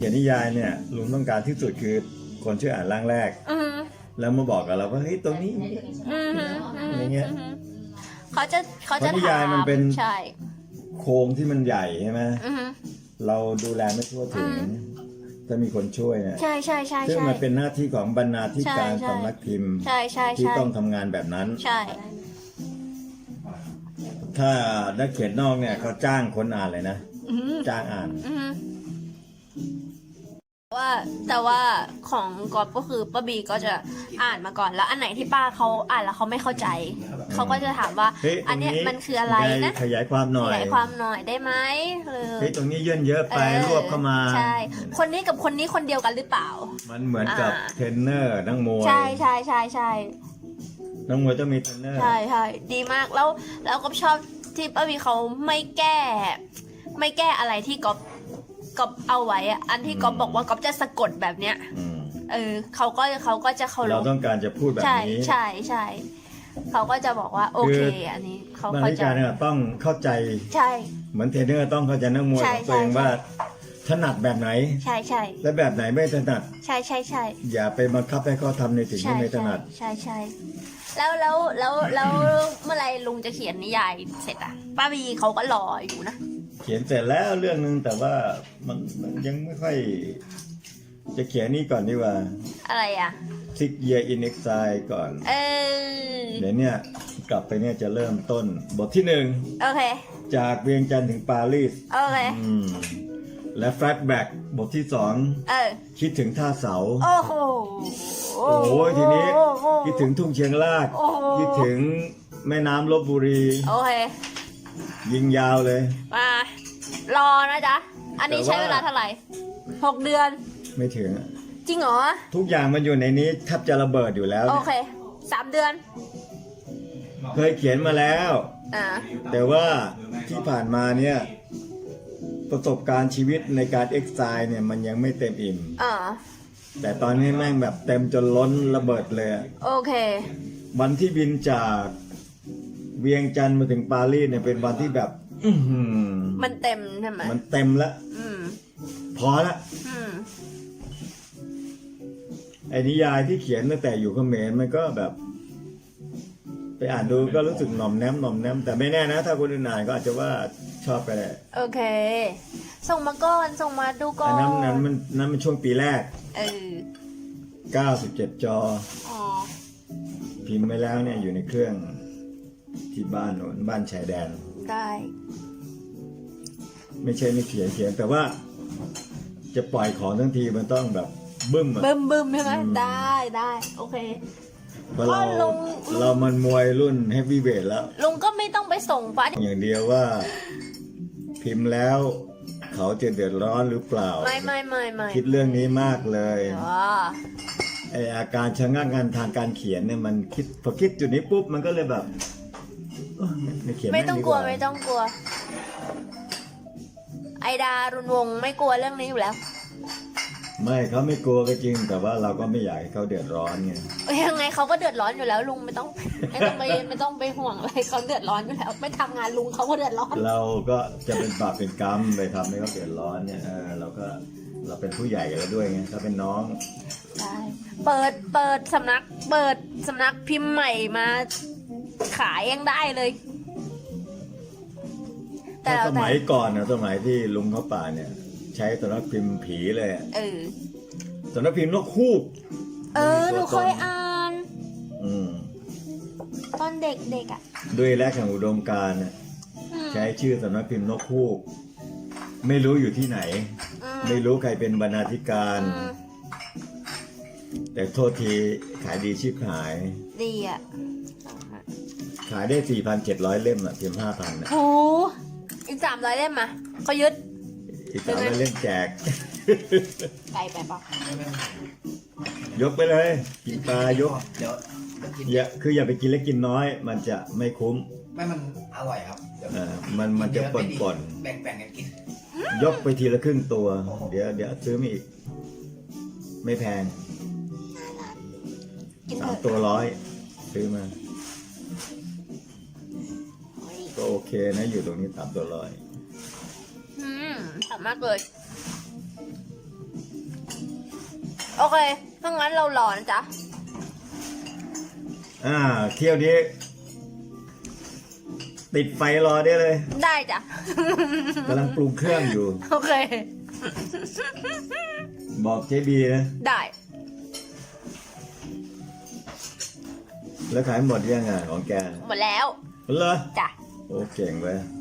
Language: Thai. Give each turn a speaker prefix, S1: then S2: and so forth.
S1: ขียนนิยายเนี่ยลุงต้องการที่สุดคือคนช่วยอ่านร่างแรกแล้วมาบอกกับเราว่าเฮ้ยตรงนี้อะไรเงี้ย
S2: เขาจะ
S1: นิยายมันเป็น
S2: ใช่
S1: โครงที่มันใหญ่ใช่ไหมเราดูแลไม่ทั่วถึงถ้ามีคนช่วยเนี่ย
S2: ใช่ใช่ใช่
S1: ซึ่งมันเป็นหน้าที่ของบรรณาธิการสำนักพิมพ์ที่ต้องทำงานแบบนั้น
S2: ใช่
S1: ถ้านักเขียนนอกเนี่ยเขาจ้างคนอ่านเลยนะจ้างอ่าน
S2: แต่ว่าของก๊อฟก็คือป้าบีก็จะอ่านมาก่อนแล้วอันไหนที่ป้าเขาอ่านแล้วเขาไม่เข้าใจเขาก็จะถามว่าอันเนี้ยมันคืออะไรนะ
S1: ขยายความหน่อย
S2: ขยายความหน่อยได้ไหม
S1: เฮ้ยตรงนี้เยื่นเยอะไปรวบเข้ามา
S2: ใช่คนนี้กับคนนี้คนเดียวกันหรือเปล่า
S1: มันเหมือนกับเทรนเนอร์นักมวย
S2: ใช่ใช่ใช่ใช่
S1: นักมวยต้องมีเทรนเนอร์
S2: ใช่ใช่ดีมากแล้วก็ชอบที่ป้าบีเขาไม่แก้อะไรที่ก๊อฟเอาไว้อะอันที่ก๊อฟบอกว่าก๊อฟจะสะกดแบบเนี้ยเขาก็จะเคารพ
S1: เราต้องการจะพูดแบบนี้
S2: ใช่ใช่เขาก็จะบอกว่าโอเคอันนี้เขา
S1: เข้าใจเนี่ยต้องเข้าใจ
S2: ใช่
S1: เหมือนเทรนเนอร์ต้องเข้าใจนักมวยของตัวเองว่าถนัดแบบไหน
S2: ใช่ใช่
S1: และแบบไหนไม่ถนัด
S2: ใช่ใช่ใช่
S1: อย่าไปบังคับให้เขาทำในสิ่งที่ไม่ถนัด
S2: ใช่ใช่แล้วเมื่อไรลุงจะเขียนนิยายเสร็จอะป้าบีเขาก็รออยู่นะ
S1: เขียนเสร็จแล้วเรื่องนึงแต่ว่ามันยังไม่ค่อยจะเขียนนี่ก่อนดีกว่า
S2: อะไรอ่ะ
S1: Six Year in Exile ก่อนเดี๋ยวเนี่ยกลับไปเนี่ยจะเริ่มต้นบทที่1
S2: โอเค
S1: จากเวียงจันทร์ถึงปารีส
S2: โอเค
S1: และแฟลชแบ็กบทที่2คิดถึงท่าเสา
S2: โอ้โห
S1: โอ้โหทีนี้คิดถึงทุ่งเชียงรากคิดถึงแม่น้ำลพบุรี
S2: โอเค
S1: ยิงยาวเลย
S2: มารอนะจ๊ะอันนี้ใช้เวลาเท่าไหร่6 เดือน
S1: ไม่ถึง
S2: จริงเหรอ
S1: ทุกอย่างมันอยู่ในนี้แทบจะระเบิดอยู่แล้ว
S2: โอเค3 เดือน
S1: เคยเขียนมาแล้วแต่ว่าที่ผ่านมาเนี่ยประสบการณ์ชีวิตในการเอ็กซ์ไซล์เนี่ยมันยังไม่เต็มอิ่มแต่ตอนนี้แม่งแบบเต็มจนล้นระเบิดเลย
S2: โอเค
S1: วันที่บินจากเวียงจันทร์มาถึงปารีสเนี่ยเป็นวันที่แบบ
S2: มันเต็มใช่ไหม
S1: มันเต็มแล้วพอละไอ้นิยายที่เขียนตั้งแต่อยู่เขมรมันก็แบบไปอ่านดูก็รู้สึกหน่อมแนมแต่ไม่แน่นะถ้าคนอื่นอ่านก็อาจจะว่าชอบไปแหละ
S2: โอเคส่งมาก่อนส่งมาดูก่อน
S1: นั้นมันช่วงปีแรก97 จอพิมพ์ไปแล้วเนี่ยอยู่ในเครื่องที่บ้านโน่นบ้านชายแดน
S2: ได้
S1: ไม่ใช่ไม่เขียนแต่ว่าจะปล่อยของทั้งทีมันต้องแบบบึ้ม
S2: ใช่ไหมได้โอเค
S1: เพราะเรามันมวยรุ่นเฮฟวี่เวทแล้ว
S2: ลุงก็ไม่ต้องไปส่งฟ้า
S1: อย่างเดียวว่าพิมพ์แล้วเขาจะเดือดร้อนหรือเปล่า
S2: ไม่
S1: คิดเรื่องนี้มากเลยไออาการชะงักงันทางการเขียนเนี่ยมันพอคิดจุดนี้ปุ๊บมันก็เลยแบบไม่เขียน
S2: ไม่ต้องกลัวไอดารุนวงไม่กลัวเรื่องนี้อยู่แล้ว
S1: ไม่เขาไม่กลัวก็จริงแต่ว่าเราก็ไม่อยากให้เขาเดือดร้อนไง
S2: ยังไงเขาก็เดือดร้อนอยู่แล้วลุงไม่ต้องไปห่วงอะไรเขาเดือดร้อนอยู่แล้วไม่ทำงานลุงเขาก็เดือดร้อน
S1: เราก็จะเป็นบาปเป็นกรรมไปทำให้เขาเดือดร้อนเนี่ยเราเป็นผู้ใหญ่แล้วด้วยไงถ้าเป็นน้อง
S2: ใช่เปิดสำนักพิมพ์ใหม่มาขายยังได้เลย
S1: แต่สมัยก่อนนะสมัยที่ลุงเขาป่าเนี่ยใช้สำนักพิมพ์ผีเลยสำนักพิมพ์นกฮูก
S2: หนูเคยอ่านตอนเด็กอ่ะ
S1: ด้วยแรกแห่งอุดมการณ์ใช้ชื่อสำนักพิมพ์นกฮูกไม่รู้อยู่ที่ไหนไม่รู้ใครเป็นบรรณาธิการแต่โทษทีขายดีชิบหาย
S2: ดีอ่ะ
S1: ขายได้ 4,700 เล่มอ่ะเพียง 5,000
S2: โอ้อีก300 เล่มอ่ะเขายึด
S1: อีก300 เล่มแจก
S2: ไกลไปปะ
S1: ยกไปเลยกินปลายกอย่าไปกินเล็กกินน้อยมันจะไม่คุ้ม
S3: ไม่มันอร่อยครับ
S1: มันจะป่น
S3: แบ่งกันกิน
S1: ยกไปทีละครึ่งตัวเดี๋ยวซื้อมาอีกไม่แพง3 ตัว 100ซื้อมาก็โอเคนะอยู่ตรงนี้3 ตัว 100
S2: สามารถเลยโอเคถ้างั้นเรารอนะจ๊ะ
S1: เที่ยวนี้ติดไฟรอได้เลย
S2: ได้จ้ะ
S1: กำลังปรุงเครื่องอยู่
S2: โอเค
S1: บอกเจบีนะ
S2: ได้
S1: แล้วขายหมดยังของแก
S2: หมดแล้ว
S1: เหรอ
S2: จ้ะ
S1: โอ้เก่งเว้ย